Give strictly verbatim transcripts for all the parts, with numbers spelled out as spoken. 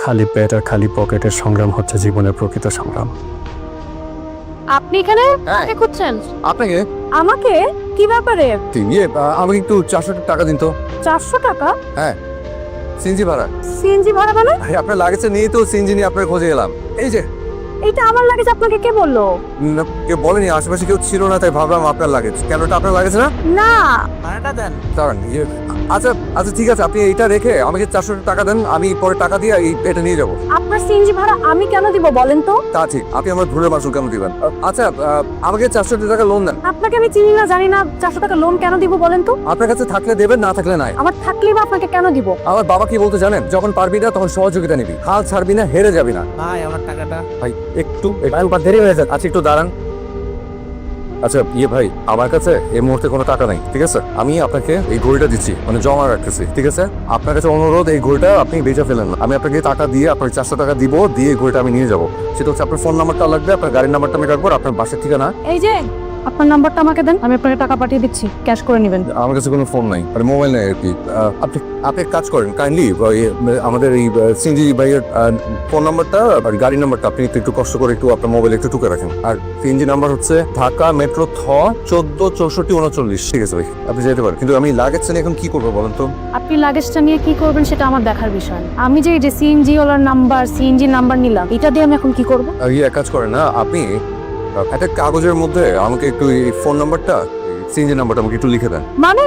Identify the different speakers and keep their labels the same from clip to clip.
Speaker 1: খালি পেট আর খালি পকেটের সংগ্রাম হচ্ছে জীবনের প্রকৃত সংগ্রাম।
Speaker 2: আপনি এখানে কাকে খুঁজছেন?
Speaker 3: আপনাকে
Speaker 2: আমাকে? কি ব্যাপারে?
Speaker 3: ইয়ে আমাকে একটু চারশো টাকা দিন তো।
Speaker 2: চারশো টাকা?
Speaker 3: হ্যাঁ, সিএনজি ভাড়া।
Speaker 2: সিএনজি ভাড়া মানে?
Speaker 3: আপনার লাগেছে নিয়ে তো সিএনজি নিয়ে আপনার খোঁজে এলাম। এই যে
Speaker 2: এইটা আমার লাগেজ, আপনাকে কে বললো?
Speaker 3: না, কেউ বলেনি, আশেপাশে কেউ ছিল না, তাই ভাবলাম আপনার লাগেজ। কেন এটা আপনার লাগেছে না?
Speaker 2: না।
Speaker 1: ভাড়াটা দেন।
Speaker 3: দাঁড়ান, ইয়ে, আচ্ছা আচ্ছা ঠিক আছে, আপনি এইটা রেখে আমাকে চারশো টাকা দেন, আমি পরে টাকা দিয়ে এই এটা নিয়ে যাবো।
Speaker 2: আপনার সিএনজি ভাড়া আমি কেন দিব বলেন তো?
Speaker 3: তা ঠিক, আপনি আমার ভুলের মাসুল কেন দিবেন? আচ্ছা আহ, আমাকে চারশো টাকা লোন দেন।
Speaker 2: আপনাকে আমি চিনি না, জানি না, চারশো টাকা লোন কেন দিব বলেন তো?
Speaker 3: আপনার কাছে থাকলে দেবেন, না থাকলে নাই।
Speaker 2: আমার থাকলেই বা আপনাকে কেন দিব?
Speaker 3: আমার বাবা কি বলতে জানেন? যখন পারবি না তখন সহযোগিতা নিবি, হাল ছাড়বি না, হেরে যাবি না।
Speaker 1: ভাই আমার টাকাটা।
Speaker 3: ভাই একটু একটু দেরি হয়ে যাচ্ছে, আচ্ছা একটু দাঁড়ান। আচ্ছা ইয়ে ভাই, আমার কাছে এই মুহূর্তে কোনো টাকা নাই, ঠিক আছে? আমি আপনাকে এই ঘড়িটা দিচ্ছি, মানে জমা রাখতেছি, ঠিক আছে? আপনার কাছে অনুরোধ, এই ঘড়িটা আপনি বেচে ফেলেন না। আমি আপনাকে টাকা দিয়ে আপনার চারশো টাকা দিব, দিয়ে এই ঘড়িটা আমি নিয়ে যাবো। সেটা হচ্ছে আপনার ফোন নাম্বারটা লাগবে, আপনার গাড়ির নাম্বারটা আমি রাখবো, আপনার বাসার ঠিকানা।
Speaker 2: এই যে আপনার নাম্বারটা আমাকে দেন, আমি আপনাকে টাকা পাঠিয়ে দিচ্ছি, ক্যাশ করে নেবেন।
Speaker 3: আমার কাছে কোনো ফোন নাই, মানে মোবাইল নাই আর কি। আহ, আপনি আপনি এক কাজ করেন, কাইন্ডলি আমাদের এই সিএনজি ভাইয়ের ফোন নাম্বারটা আর গাড়ির নাম্বারটা আপনি একটু একটু কষ্ট করে একটু আপনার মোবাইলে একটু টুকে রাখেন। আর সিএনজি নাম্বার হচ্ছে ঢাকা মেট্রো থ চোদ্দ চৌষট্টি উনচল্লিশ। ঠিক আছে ভাই, আপনি যেতে পারেন, কিন্তু আমি লাগেজটা নিয়ে এখন কি করবো বলেন তো?
Speaker 2: আপনি লাগেজটা নিয়ে কি করবেন সেটা আমার দেখার বিষয়। আমি যে এই যে সিএনজি ওলার নাম্বার, সিএনজি নাম্বার নিলাম, এটা দিয়ে আমি এখন কি করব?
Speaker 3: আর ইয়ে এক কাজ করেন না, আপনি একটা কাগজের মধ্যে আমাকে একটু এই ফোন নাম্বারটা, সিএনজি নাম্বারটা আমাকে একটু লিখে দেন।
Speaker 2: মানে?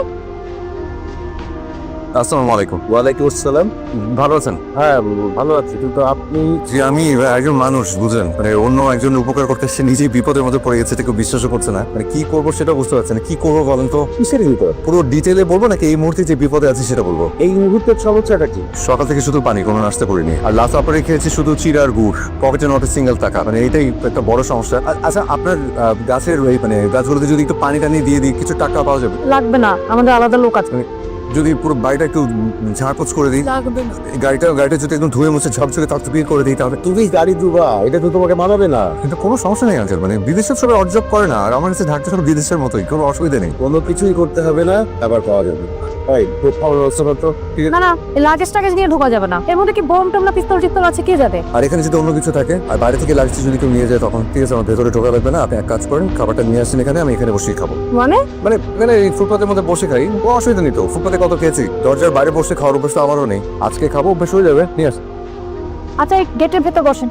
Speaker 3: আসসালামু আলাইকুম।
Speaker 4: ওয়ালাইকুম আসসালাম।
Speaker 3: ভালো আছেন?
Speaker 4: হ্যাঁ ভালো আছি, কিন্তু আপনি?
Speaker 3: যে আমি একজন মানুষ, বুঝলেন, মানে অন্য একজনের উপকার করতে সে নিজেই বিপদের মধ্যে পড়ে গেছে, কেউ বিশ্বাসও করছে না, মানে কি করবো সেটা বুঝতে পারছে না। কি করবো বলেন তো?
Speaker 4: কিসের বিপদ?
Speaker 3: পুরো ডিটেলে বলবো নাকি এই মুহূর্তে যে বিপদে আছি সেটা বলবো?
Speaker 4: এই মুহূর্তের সমস্যাটা কি?
Speaker 3: সকাল থেকে শুধু পানি, কোনো নাস্তা করিনি, আর লাস্ট অপারে খেয়েছি শুধু চিড় আর গুড়, পকেটে নট সিঙ্গেল টাকা, মানে এইটাই একটা বড় সমস্যা। আ- আচ্ছা আপনার আহ, গাছের ওই মানে গাছগুলোতে যদি একটু পানি টানি দিয়ে দিই, কিছু টাকা পাওয়া যাবে?
Speaker 2: লাগবে না, আমাদের আলাদা লোক আছে।
Speaker 3: যদি পুরো বাড়িটা একটু ঝাড়পোছ করে দিই,
Speaker 2: লাগবে না।
Speaker 3: এই গাড়িটা গাড়িটা যদি একদম ধুয়ে মুছে ঝকঝকে তকতকিয়ে করে দিই, তাহলে
Speaker 4: তুমি গাড়ি দুবা, এটা তো তোমাকে মানাবে না।
Speaker 3: কিন্তু কোনো সমস্যা নেই আঙ্কেল, মানে বিদেশের সবাই অর্জব করে না, আর আমার কাছে ঢাকতে সব বিদেশের মতোই, কোনো অসুবিধা নেই।
Speaker 4: কোনো কিছুই করতে হবে না, আবার পাওয়া যাবে। ভাই খুব ভালো ব্যবস্থা করতো।
Speaker 2: না না, লাগেজ টাগেজ নিয়ে ঢোকা যাবে না। এর মধ্যে কি বোম টোম না পিস্তল টিস্তল আছে, কে যাবে?
Speaker 3: আর এখানে যদি অন্য কিছু থাকে আর বাইরে থেকে লাগছে যদি কেউ নিয়ে যায়, তখন ঠিক আছে, আমার ভেতরে ঢোকা লাগবে না। আপনি এক কাজ করেন, খাবারটা নিয়ে আসেন এখানে, আমি এখানে বসেই খাবো।
Speaker 2: মানে?
Speaker 3: মানে মানে এই ফুটপাতের মধ্যে বসে খাই, কোনো অসুবিধা নেই তো। ফুটপাতে কত খেয়েছি, দরজার বাইরে বসে খাওয়ার অভ্যাস তো আমারও নেই। আজকে খাবো, অভ্যাস হয়ে যাবে, নিয়ে আস।
Speaker 2: আচ্ছা, এই গেটের ভেতর বসেন।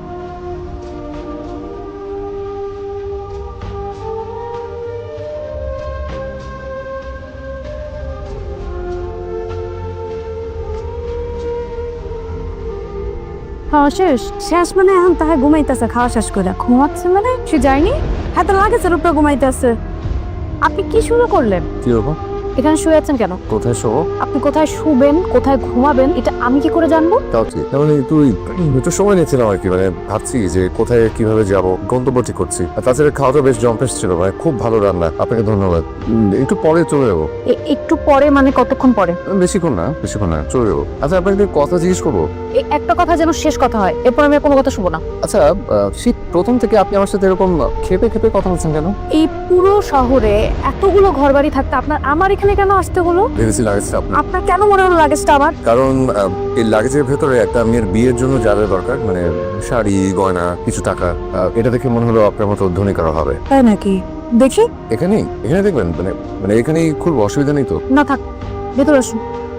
Speaker 2: খাওয়া শেষ? শেষ মানে এখন তাহে ঘুমাইতেছে, খাওয়া শেষ করে ঘুমাচ্ছে মানে? সে যায়নি, হ্যাঁ তো লাগেছে উপরে ঘুমাইতেছে। আপনি কি শুরু করলেন?
Speaker 3: কি হবো?
Speaker 2: এখানে শুয়ে আছেন কেন?
Speaker 3: কোথায় শোবো?
Speaker 2: আপনি কোথায় শুবেন, কোথায় ঘুমাবেন, এটা আমি কি করে জানবো?
Speaker 3: তাও ঠিক, মানে তুই একটু সময় নিয়েছিলাম আর কি, মানে ভাবছি যে কোথায় কিভাবে যাব, গন্তব্য ঠিক করছি। আর তাছাড়া খাওয়াটা বেশ জম্পেস ছিল ভাই, খুব ভালো রান্না, আপনাকে ধন্যবাদ। উম, একটু পরে চলে যাবো।
Speaker 2: এ- একটু পরে মানে কতক্ষণ পরে?
Speaker 3: বেশিক্ষণ না, বেশিক্ষণ না, চলে যাবো। আচ্ছা আপনাকে একটা কথা জিজ্ঞেস করবো?
Speaker 2: এই একটা কথা যেন শেষ কথা হয়, এরপর আমি আর কোনো কথা শুনবো না।
Speaker 3: আচ্ছা আহ, শীত প্রথম থেকে আপনি আমার সাথে এরকম খেপে খেপে কথা বলছেন কেন?
Speaker 2: এই পুরো শহরে এতগুলো ঘরবাড়ি থাকতে আপনার আমার এখানে কেন আসতে হলো?
Speaker 3: ভেবেছি লাগেজটা আপনার,
Speaker 2: আপনার কেন মনে হলো লাগেজটা আমার?
Speaker 3: কারণ আহ, এই লাগেজের ভেতরে একটা মেয়ের বিয়ের জন্য যা যা দরকার, মানে শাড়ি গয়না কিছু টাকা, আহ, এটা দেখে মনে হলো আপনার মতো ধনী কারো হবে।
Speaker 2: তাই নাকি? দেখি।
Speaker 3: এখানেই এখানে দেখবেন, মানে মানে এখানেই খুব অসুবিধা নেই তো?
Speaker 2: না থাক, ভেতরে আসুন।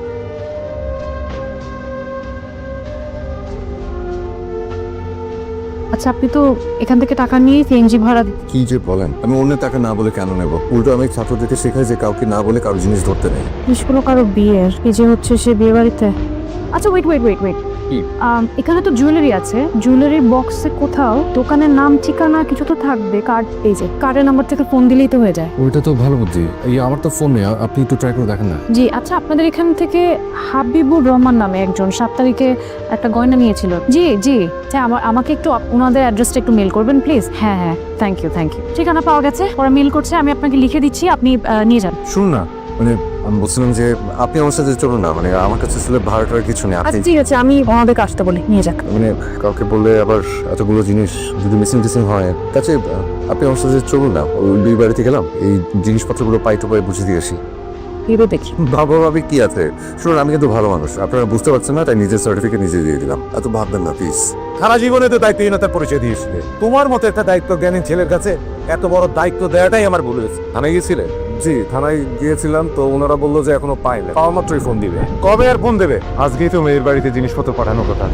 Speaker 2: আচ্ছা, আপনি তো এখান থেকে টাকা নিয়ে সিএনজি ভাড়া দিতে।
Speaker 3: কি যে বলেন, আমি অন্যের টাকা না বলে কেন নেব? উল্টো আমি ছাত্রদেরকে শেখাই যে কাউকে না বলে কারো জিনিস ধরতে নেই।
Speaker 2: নিষ্কুল কারো বিয়ের, এই যে হচ্ছে সে বিয়ে বাড়িতে। আচ্ছা ওয়েট ওয়েট ওয়েট ওয়েট
Speaker 3: কি?
Speaker 2: এখানে তো জুয়েলারি আছে, জুয়েলারির বক্সে কোথাও দোকানের নাম ঠিকানা কিছু তো থাকবে। কার্ড, এই যে কার্ডের নাম্বার থেকে ফোন দিলেই তো হয়ে যায়।
Speaker 3: ওইটা তো ভালো বুদ্ধি, এই আমার তো ফোন নেই, আপনি একটু ট্রাই করে দেখেন না।
Speaker 2: জি আচ্ছা, আপনাদের এখান থেকে হাবিবুর রহমান নামে একজন সাত তারিখে একটা গয়না নিয়েছিল। জি জি, আচ্ছা আমার আমাকে একটু আপ- ওনাদের অ্যাড্রেসটা একটু মেল করবেন প্লিজ। হ্যাঁ হ্যাঁ, থ্যাংক ইউ থ্যাংক ইউ। ঠিকানা পাওয়া গেছে, ওরা মেল করছে, আমি আপনাকে লিখে দিচ্ছি, আপনি আহ, নিয়ে যান।
Speaker 3: শুনুন না, মানে আমি বলছিলাম যে আপনি আমার সাথে চলুন না, মানে আমার কাছে আসলে ভাড়াটার কিছু নেই। আপনি
Speaker 2: আচ্ছা ঠিক আছে, আমি ওনাদেরকে আসতে বলি, নিয়ে যাক।
Speaker 3: মানে কাউকে বললে আবার এতগুলো জিনিস যদি মিসিং টিসিং হয়, তাছে আপনি আমার সাথে চলুন না, ওই দুই বাড়িতে গেলাম, এই জিনিসপত্রগুলো পাই টু পাই বুঝে দিয়ে আসি।
Speaker 2: ভেবে দেখি।
Speaker 3: বাবা ভাবি কি আছে, শুনুন আমি কিন্তু ভালো মানুষ, আপনারা বুঝতে পারছেন না তাই নিজের সার্টিফিকেট নিজে দিয়ে দিলাম, এত ভাববেন না প্লিজ।
Speaker 4: সারা জীবনে তো দায়িত্বহীনতার পরিচয় দিয়েছিলে, তোমার মতো একটা দায়িত্ব জ্ঞানী ছেলের কাছে এত বড় দায়িত্ব দেওয়াটাই আমার ভুল হয়েছে।
Speaker 3: থানায় গিয়েছিলেন? জি থানায় গিয়েছিলাম, তো ওনারা বললো যে এখনো পাইনি, পাওয়া মাত্রই ফোন দিবে।
Speaker 4: কবে আর ফোন দেবে? আজকেই তো মেয়ের বাড়িতে জিনিসপত্র পাঠানোর কথা।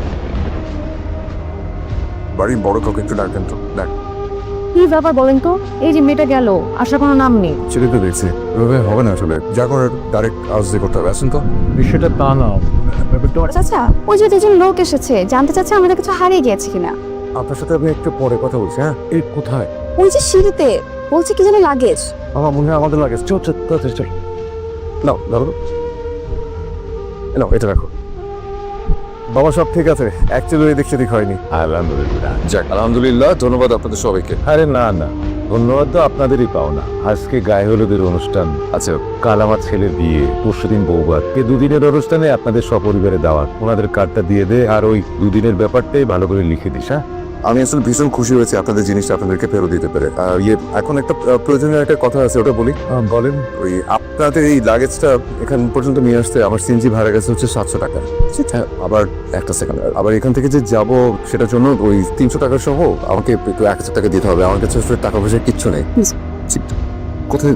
Speaker 3: বাড়ির বড় কাউকে একটু ডাকবেন তো। ডাক।
Speaker 2: কি ব্যাপার বলেন তো, এই যে মেয়েটা গেল, আসার কোনো নাম নেই।
Speaker 3: ছেলে তো দেখছি এভাবে হবে না, আসলে যা করার ডাইরেক্ট আউজ দিয়ে করতে হবে। আসেন তো।
Speaker 4: বিষয়টা তা না,
Speaker 5: চাচা ওই যে দুজন লোক এসেছে, জানতে চাচ্ছে আমাদের কিছু হারিয়ে গিয়েছে কিনা।
Speaker 3: আপনার সাথে আমি একটু পরে কথা বলছি। হ্যাঁ
Speaker 4: এই কোথায়?
Speaker 5: ওই যে সিঁড়িতে বলছে কি যেন লাগেজ।
Speaker 3: আমার মনে হয় আমাদের লাগে। চল চল চল চল। নাও ধরো, নাও এটা রাখো। বাবা সব ঠিক আছে, অ্যাকচুয়ালি এদিক সেদিক হয়নি।
Speaker 4: আলহামদুলিল্লাহ।
Speaker 3: যাক আলহামদুলিল্লাহ, ধন্যবাদ আপনাদের সবাইকে।
Speaker 4: আরে না না, ধন্যবাদ তো আপনাদেরই পাওনা। আজকে গায়ে হলুদের অনুষ্ঠান,
Speaker 3: আচ্ছা
Speaker 4: কাল আমার ছেলের বিয়ে, পরশুদিন বৌভাত, এই দুদিনের অনুষ্ঠানে আপনাদের সপরিবারে দাওয়াত। ওনাদের কার্ডটা দিয়ে দে, আর ওই দুদিনের ব্যাপারটাই ভালো করে লিখে দিস। হ্যাঁ
Speaker 3: আমি আসলে ভীষণ খুশি হয়েছি আপনাদের জিনিসটা আপনাদেরকে ফেরত দিতে পেরে। আর ইয়ে এখন একটা আহ, প্রয়োজনীয় একটা কথা আছে, ওটা বলি।
Speaker 4: বলেন।
Speaker 3: ওই আপনাদের এই লাগেজটা এখান পর্যন্ত নিয়ে আসতে আমার সিএনজি ভাড়া গেছে হচ্ছে সাতশো টাকা। হ্যাঁ আবার একটা সেকেন্ড, আবার এখান থেকে যে যাব সেটার জন্য ওই তিনশো টাকা সহ আমাকে একটু এক হাজার টাকা দিতে হবে। আমার কাছে আসলে টাকা পয়সা কিচ্ছু নেই। ঠিক, কোথায়?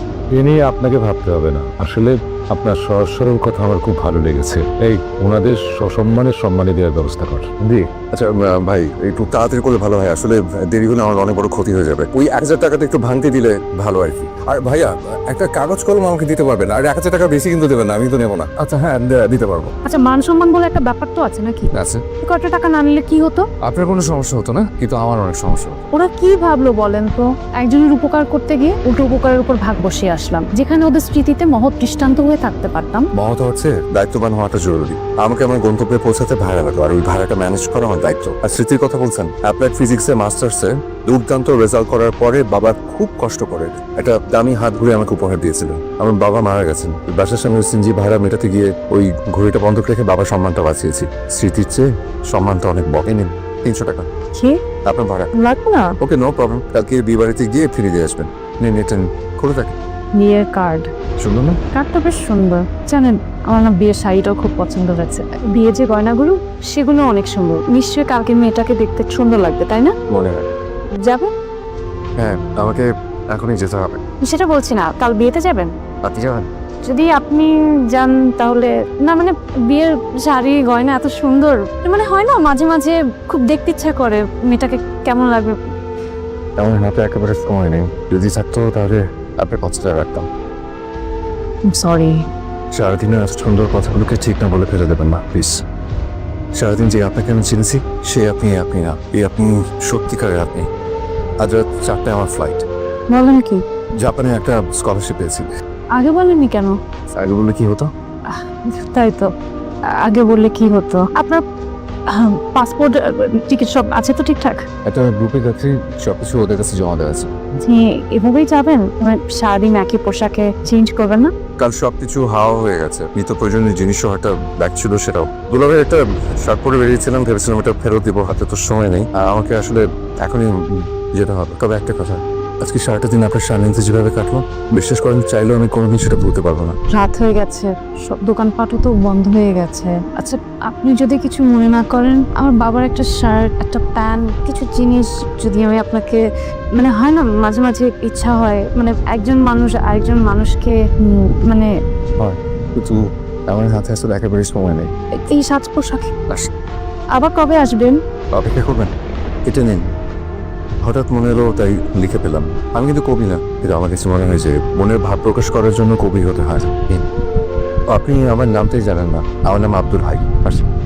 Speaker 4: এ নিয়ে আপনাকে ভাবতে হবে না। আসলে আপনার সহজ সরল কথা আমার খুব ভালো লেগেছে। এই ওনাদের সসম্মানের সম্মানে দেওয়ার ব্যবস্থা কর। জি
Speaker 3: আচ্ছা আহ, ভাই একটু তাড়াতাড়ি করলে ভালো হয়, আসলে দেরি হলে আমার অনেক বড় ক্ষতি হয়ে যাবে। ওই এক হাজার টাকাটা একটু ভাঙতে দিলে ভালো আর কি। আর ভাইয়া একটা কাগজ কলম আমাকে দিতে পারবেন? আর এক হাজার টাকা বেশি কিন্তু দেবেন না, আমি তো নেবো না। আচ্ছা হ্যাঁ দে- দিতে পারবো।
Speaker 2: আচ্ছা মান সম্মান বলে একটা ব্যাপার তো আছে নাকি?
Speaker 3: আচ্ছা
Speaker 2: কত টাকা না নিলে কি হতো?
Speaker 3: আপনার কোনো সমস্যা হতো না, কিন্তু আমার অনেক সমস্যা হতো।
Speaker 2: ওরা কি ভাবলো বলেন তো, একজনের উপকার করতে গিয়ে উল্টো উপকারের উপর ভাগ বসিয়ে আসলাম, যেখানে ওদের স্মৃতিতে মহৎ দৃষ্টান্ত হয়ে থাকতে পারতাম।
Speaker 3: মহৎ হচ্ছে দায়িত্ববান হওয়াটা জরুরি। আমাকে আমার গন্তব্যে পৌঁছাতে ভাড়া লাগলো, আর ওই ভাড়াটা ম্যানেজ করা আমার দায়িত্ব। আর স্মৃতির কথা বলছেন, অ্যাপ্লাইড ফিজিক্সে মাস্টার্সে দুর্দান্ত রেজাল্ট করার পরে বাবা খুব কষ্ট করে একটা দামি হাত ঘুরে আমাকে উপহার দিয়েছিলেন। আমার বাবা মারা গেছেন, বাসার সামনে সিনজি ভাড়া মেটাতে গিয়ে ওই ঘড়িটা বন্ধক রেখে বাবার সম্মানটা বাঁচিয়েছি। স্মৃতির চেয়ে সম্মানটা অনেক বকে। নিন তিনশো টাকা
Speaker 2: কি
Speaker 3: আপনার ভাড়া।
Speaker 2: লাগবে না?
Speaker 3: ওকে নো প্রবলেম, কালকে বিয়ে বাড়িতে গিয়ে ফিরে দিয়ে আসবেন। নিন এটা খুলে থাকে।
Speaker 2: বিয়ের কার্ড,
Speaker 3: সুন্দর না?
Speaker 2: কার্ডটা বেশ সুন্দর। জানেন আমার না বিয়ের শাড়িটাও খুব পছন্দ হয়েছে, বিয়ে যে গয়নাগুলো সেগুলো অনেক সুন্দর। নিশ্চয়ই কালকে মেয়েটাকে দেখতে সুন্দর লাগবে, তাই না?
Speaker 3: মনে হয়।
Speaker 2: যাবে?
Speaker 3: হ্যাঁ আমাকে এখনই যেতে হবে।
Speaker 2: সেটা বলছি না, কাল বিয়েতে যাবেন?
Speaker 3: আপনি যাবেন?
Speaker 2: যদি আপনি যান তাহলে না, মানে বিয়ের শাড়ি গয়না এত সুন্দর, মানে হয় না মাঝে মাঝে খুব দেখতে ইচ্ছা করে মেয়েটাকে কেমন লাগবে।
Speaker 3: আমার হাতে একেবারে সময় নেই, যদি থাকতো তাহলে আপনার কথাটা রাখতাম।
Speaker 2: সরি।
Speaker 3: সারাদিনের এত সুন্দর কথাগুলোকে ঠিক না বলে ফেলে দেবেন না প্লিজ। সারাদিন যে আপনাকে আমি চিনেছি সে আপনি আপনি না, এই আপনি সত্যিকারের আপনি। আজ রাত চারটায় আমার ফ্লাইট।
Speaker 2: বলেন কি?
Speaker 3: জাপানে একটা স্কলারশিপ পেয়েছি।
Speaker 2: আগে বলেননি কেন?
Speaker 3: আগে বললে কি হতো?
Speaker 2: তাই তো, আগে বললে কি হতো? আপনার পাসপোর্ট টিকিট সব আছে তো ঠিকঠাক?
Speaker 3: একটা গ্রুপে যাচ্ছি, সবকিছু ওদের কাছে জমা দেওয়া আছে।
Speaker 2: জি এভাবেই যাবেন? মানে সারাদিন একই পোশাকে চেঞ্জ করবেন না?
Speaker 3: কাল সবকিছু হাওয়া হয়ে গেছে, নিত্য প্রয়োজনীয় জিনিসও একটা ব্যাগ ছিল সেটাও। দুলাভাই একটা শার্ট পরে বেরিয়েছিলাম, ভেবেছিলাম এটা ফেরত দিব, হাতে তো সময় নেই। আর আমাকে আসলে এখনই যেতে হবে। তবে একটা কথা, আজকে সারাটা দিন আপনার সান্নিধ্যে যেভাবে কাটলো, বিশ্বাস করেন চাইলেও আমি কোনোদিন সেটা ভুলতে পারবো না।
Speaker 2: রাত হয়ে গেছে, সব দোকানপাটও তো বন্ধ হয়ে গেছে। আচ্ছা আপনি যদি কিছু মনে না করেন, আমার বাবার একটা শার্ট, একটা প্যান্ট, কিছু জিনিস যদি আমি আপনাকে, মানে হয় না মাঝে মাঝে ইচ্ছা হয়, মানে একজন মানুষ আরেকজন মানুষকে উম, মানে
Speaker 3: হয়, কিন্তু আমার হাতে আসলে একেবারেই সময় নেই।
Speaker 2: এই সাজ পোশাক।
Speaker 3: আস।
Speaker 2: আবার কবে আসবেন?
Speaker 3: অপেক্ষা করবেন, এটা নিন। হঠাৎ মনে এলো তাই লিখে পেলাম। আমি কিন্তু কবি না, কিন্তু আমার কাছে মনে হয় যে মনের ভাব প্রকাশ করার জন্য কবি হতে হয়। নিন। আপনি আমার নামটাই জানেন না, আমার নাম আব্দুল হাই। আসুন।